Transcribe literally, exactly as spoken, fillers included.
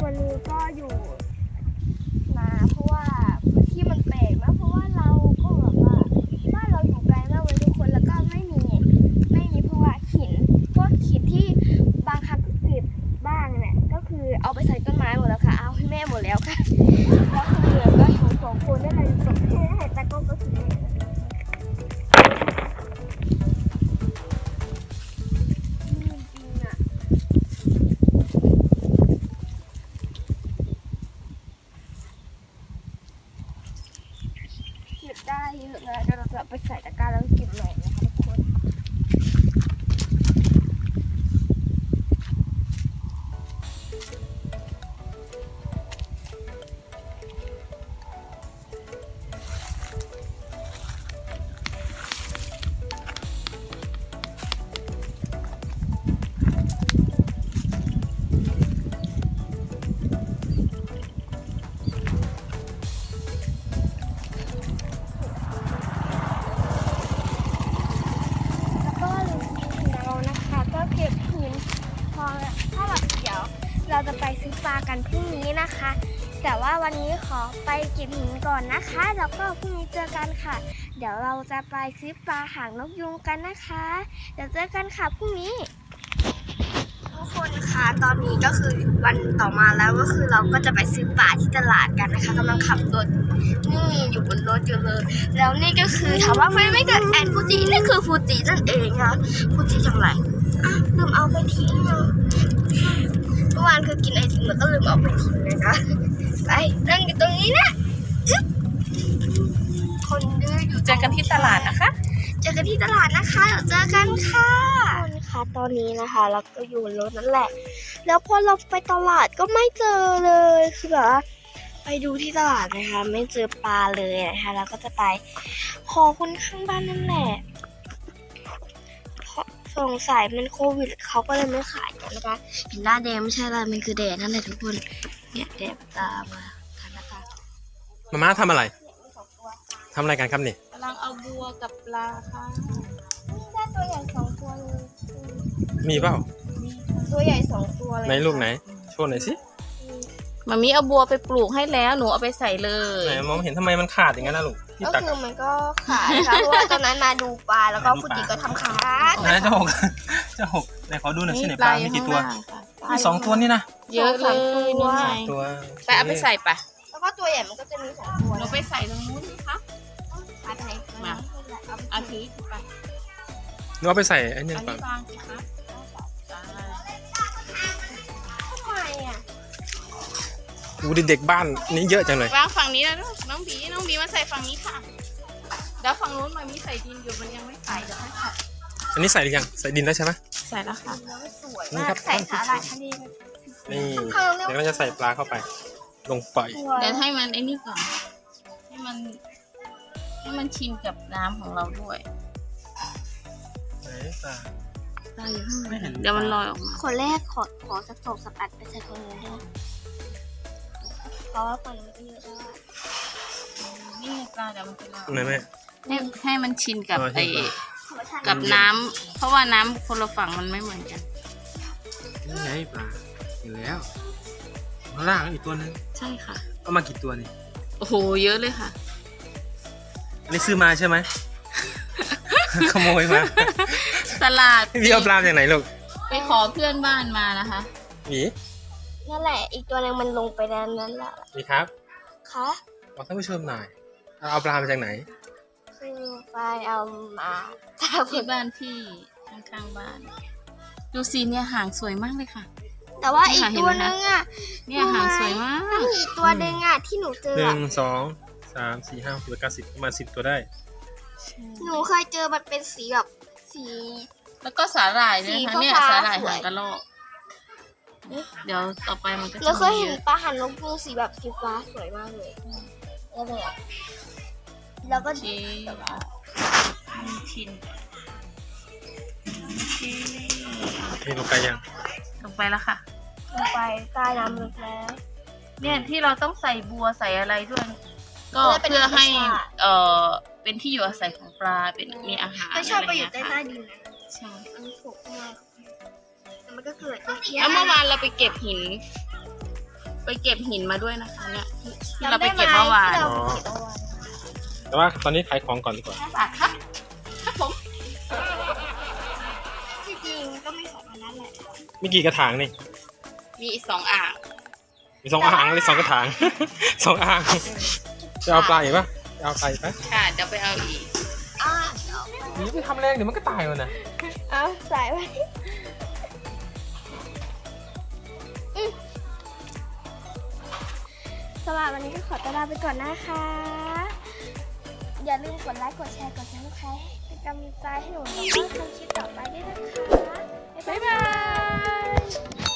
คนนึงก็อยู่มาเพราะว่าพื้นที่มันแปลกมากเพราะว่าเราก็แบบว่าบ้านเราอยู่ไกลมากเลยทุกคนแล้วก็ไม่มีไม่มีเพราะว่าหินพวกหินที่บางครั้งเก็บบ้างเนี่ยก็คือเอาไปใส่ต้นไม้หมดแล้วค่ะเอาให้แม่หมดแล้วค่ะแล้วคือเหลือก็อยู่สองคนได้เลยสองคนให้ตะก้ก็คือแม่ได้เยอะนะเดี๋ยวเราจะไปใส่ตะกร้าแล้วเก็บใหม่นะคะทุกคนเราจะไปซื้อปลากันพรุ่งนี้นะคะแต่ว่าวันนี้ขอไปเก็บหินก่อนนะคะแล้วก็พรุ่งนี้เจอกันค่ะเดี๋ยวเราจะไปซื้อปลาหางนกยูงกันนะคะเดี๋ยวเจอกันค่ะพรุ่งนี้ทุกคนคะตอนนี้ก็คือวันต่อมาแล้วก็คือเราก็จะไปซื้อปลาที่ตลาดกันนะคะกำลังขับรถนี่อยู่บนรถอยู่เลยแล้วนี่ก็คือถามว่าไม่ไม่เกิดแอนฟูจินี่คือฟูจินั่นเองค่ะฟูจิทำไรอ่ะลืมเอาไปทิ้งเนาะเมื่อวานคือกินไอติมแล้วก็ลืมเอาไปทิ้งนะคะไปนั่งอยู่ตรงนี้นะคนดื้ออยู่เจอกันที่ตลาดนะคะเจอกันที่ตลาดนะคะเจอกันค่ะคนคะตอนนี้นะคะเราก็อยู่รถนั่นแหละแล้วพอเราไปตลาดก็ไม่เจอเลยคือแบบว่าไปดูที่ตลาดนะคะไม่เจอปลาเลยนะคะเราก็จะไปขอคนข้างบ้านนั่นแหละสงสัยมันโควิดเขาก็เลยไม่ขายกันนะคะเห็นหน้าแดงไม่ใช่อะไรมันคือแดดนั่นแหละทุกคนเนี่ยแดดตามมากันนะคะมาม่าทำอะไรทำอะไรกันครับนี่กำลังเอาบัวกับปลาค่ะนี่ได้ตัวใหญ่สองตัวเลยมีเปล่าตัวใหญ่สองตัวเลยในลูกไหนโชว์หน่อยสิมามีเอาบัวไปปลูกให้แล้วหนูเอาไปใส่เลยไหนมองเห็นทำไมมันขาดอย่างนั้นนะลูกก็คือมันก็ขาดค่ะเพราะว่าตอนนั้นมาดูปลาแล้วก็ฟูจิก็ทำขาดไหนเจ้าหกเจ้าหกไหนขอดูหน่อยสิไหนปลามีกี่ตัวมีสองตัวนี่นะเยอะเลยนี่ไงตัวไปเอาไปใส่ปะแล้วก็ตัวใหญ่มันก็จะมีสองตัวหนูไปใส่ตรงนู้นสิคะมาไหนมาเอาถือไปหนูเอาไปใส่ไอ้นี่ปะวางสิคะทำไมอ่ะอูเด็กบ้านนี้เยอะจังเลยวางฝั่งนี้แล้วน้องบีน้องบีมาใส่ฝั่งนี้ค่ะแล้วฝั่งนู้นมันมีใส่ดินอยู่มันยังไม่ใส่เดี๋ยวให้ใส่อันนี้ใส่หรือยังใส่ดินแล้วใช่ไหมใส่แล้วค่ะสวยมากใส่สาหร่ายทะเลนี่เดี๋ยวเราจะใส่ปลาเข้าไปลงไปเดี๋ยวให้มันไอ้นี่ก่อนให้มันให้มันชินกับน้ำของเราด้วยไหนปลาปลาอยู่ข้างในเดี๋ยวมันลอยออกมาคนแรกขอขอสักสองสักอันไปใส่คนนู้นด้วยเพราะว่าฝั่งนี้ก็เยอะแล้วนี่ปลาเดี๋ยวมันจะลอยไหนแม่ให้ให้มันชินกับไอ้กับน้ำเพราะว่าน้ำคนละฝั่งมันไม่เหมือนกันนี่ไงปลาอยู่แล้วข้างล่างอีกตัวนึงใช่ค่ะเอามากี่ตัวนี่โอ้โหเยอะเลยค่ะอันนี้ซื้อมาใช่ไหมขโมยมาตลาดพี่เอาปลาจากไหนลูกไปขอเพื่อนบ้านมานะคะมีนั่นแหละอีกตัวนึงมันลงไปแล้วนั่นแหละมีครับคะบอกท่านผู้ชมหน่อยเอาปลามาจากไหนคือไปเอามาจากที่บ้านพี่ข้างๆบ้านดูสิเนี่ยหางสวยมากเลยค่ะแต่ว่าอีกตัวนึงอ่ะเนี่ยหางสวยมากอีกตัวนึงอ่ะที่หนูเจอหนึ่งสองสามสี่ห้าหกเก้าสิบประมาณสิบตัวได้หนูเคยเจอมันเป็นสีแบบสีแล้วก็สาหร่ายด้วยค่ะเนี่ยสาหร่ายหางกระรอกเดี๋ยวต่อไปมันก็จะเราเคยเห็นปลาหางนกยูงสีแบบสีฟ้าสวยมากเลยแล้วเนี่ยแล้วก็ชินชินนี่ลงไปยังลงไปแล้วค่ะลงไปใต้น้ำลึกแล้วเนี่ยที่เราต้องใส่บัวใส่อะไรด้วยก็เพื่อให้เอ่อเป็นที่อยู่อาศัยของปลาเป็นมีอาหารไม่ชอบไปอยู่ใต้ใต้ดินนะใช่มันโผล่มาแต่มันก็เกิดแล้วเมื่อวานเราไปเก็บหินไปเก็บหินมาด้วยนะคะเนี่ยที่ที่เราไปเก็บเมื่อวานจำได้ไหมที่เราไปเก็บเมื่อวานแต่ว่าตอนนี้ขายของก่อนดีกว่าห้าบาทครับครับผมที่จริงก็ไม่สองอันนั้นแหละมีกี่กระถางนี่มีอีกสองอ่างมีสองอ่างเลยสองกระถาง สองอ่างจะเอาปลาอีกปะจะเอาปลาอีกปะค่ะเดี๋ยวไปเอาอีกอ่านี่ไปทำแรงเดี๋ยวมันก็ตายมันนะเอาใส่ไว้อืมสำหรับวันนี้ก็ขอตัวลาไปก่อนนะคะ อย่าลืมกดไลค์ กดแชร์ กดซับสไครต์เป็นกำลังใจให้หนูแล้วก็ทำคลิปต่อไปด้วยนะคะ บ๊ายบาย